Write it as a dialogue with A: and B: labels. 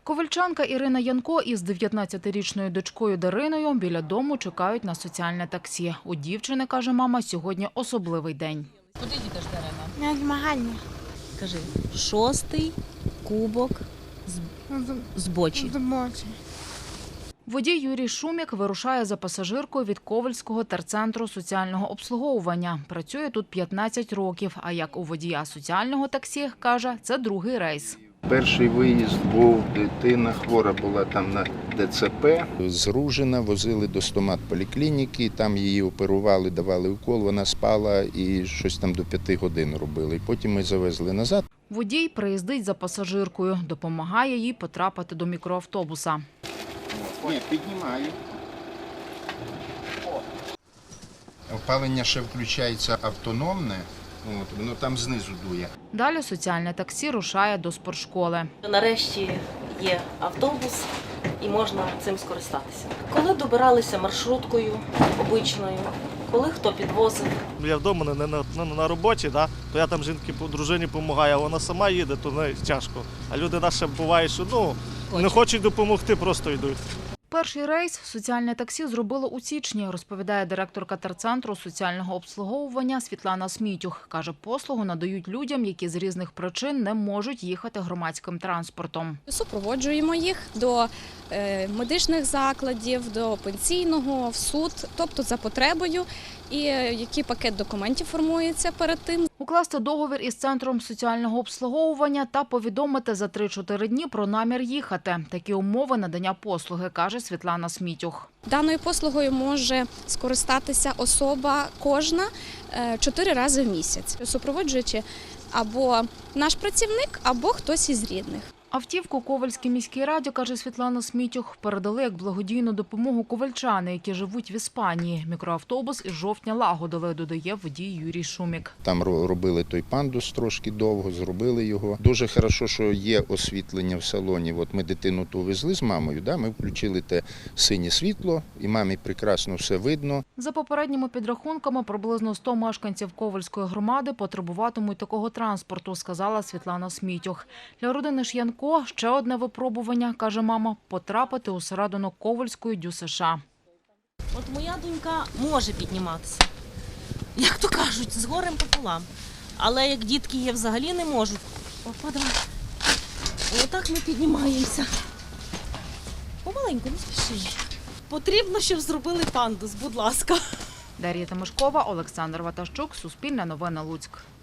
A: Ковальчанка Ірина Янко із 19-річною дочкою Дариною біля дому чекають на соціальне таксі. У дівчини, каже мама, сьогодні особливий день.
B: Куди їдеш, Дарина?
C: На змагання.
B: Кажи, 6-й кубок з бочі.
A: Водій Юрій Шумік вирушає за пасажиркою від Ковальського терцентру соціального обслуговування. Працює тут 15 років, а як у водія соціального таксі, каже, це другий рейс.
D: Перший виїзд був, дитина хвора була там на ДЦП. З Ружина возили до стоматполіклініки, там її оперували, давали укол, вона спала і щось там до 5 годин робили. Потім ми завезли назад.
A: Водій приїздить за пасажиркою, допомагає їй потрапити до мікроавтобуса.
D: Ні, піднімаю. Опалення ще включається автономне, воно там знизу дує.
A: Далі соціальне таксі рушає до спортшколи.
B: Нарешті є автобус і можна цим скористатися. Коли добиралися маршруткою обичною, коли хто підвозив.
E: Я вдома не на роботі, то я там дружині допомагаю, а вона сама їде, то не тяжко. А люди наші буває, що не хочуть допомогти, просто йдуть.
A: Перший рейс соціальне таксі зробило у січні, розповідає директорка терцентру соціального обслуговування Світлана Смітюх. Каже, послугу надають людям, які з різних причин не можуть їхати громадським транспортом.
F: Супроводжуємо їх до медичних закладів, до пенсійного, в суд, тобто за потребою, і який пакет документів формується перед тим.
A: Укласти договір із центром соціального обслуговування та повідомити за 3-4 дні про намір їхати. Такі умови надання послуги, каже Світлана Смітюх.
F: Даною послугою може скористатися особа кожна 4 рази в місяць, супроводжуючи або наш працівник, або хтось із рідних.
A: Автівку Ковальській міській раді, каже Світлана Смітюх, передали як благодійну допомогу ковальчани, які живуть в Іспанії. Мікроавтобус із жовтня лагодили, додає водій Юрій Шумік.
D: Там робили той пандус трошки довго, зробили його. Дуже добре, що є освітлення в салоні. От ми дитину ту везли з мамою, ми включили те синє світло, і мамі прекрасно все видно.
A: За попередніми підрахунками, приблизно 100 мешканців Ковальської громади потребуватимуть такого транспорту, сказала Світлана Смітюх. Для родини ж Янко ще одне випробування, каже мама, потрапити усередину Ковальської ДЮСШ.
B: От моя донька може підніматися, як то кажуть, з горем пополам. Але як дітки є, взагалі не можуть. Опа, давай. Отак ми піднімаємося. Помаленьку, не спіши. Потрібно, щоб зробили пандус, будь ласка.
A: Дар'я Тимошкова, Олександр Ватащук, Суспільне новини, Луцьк.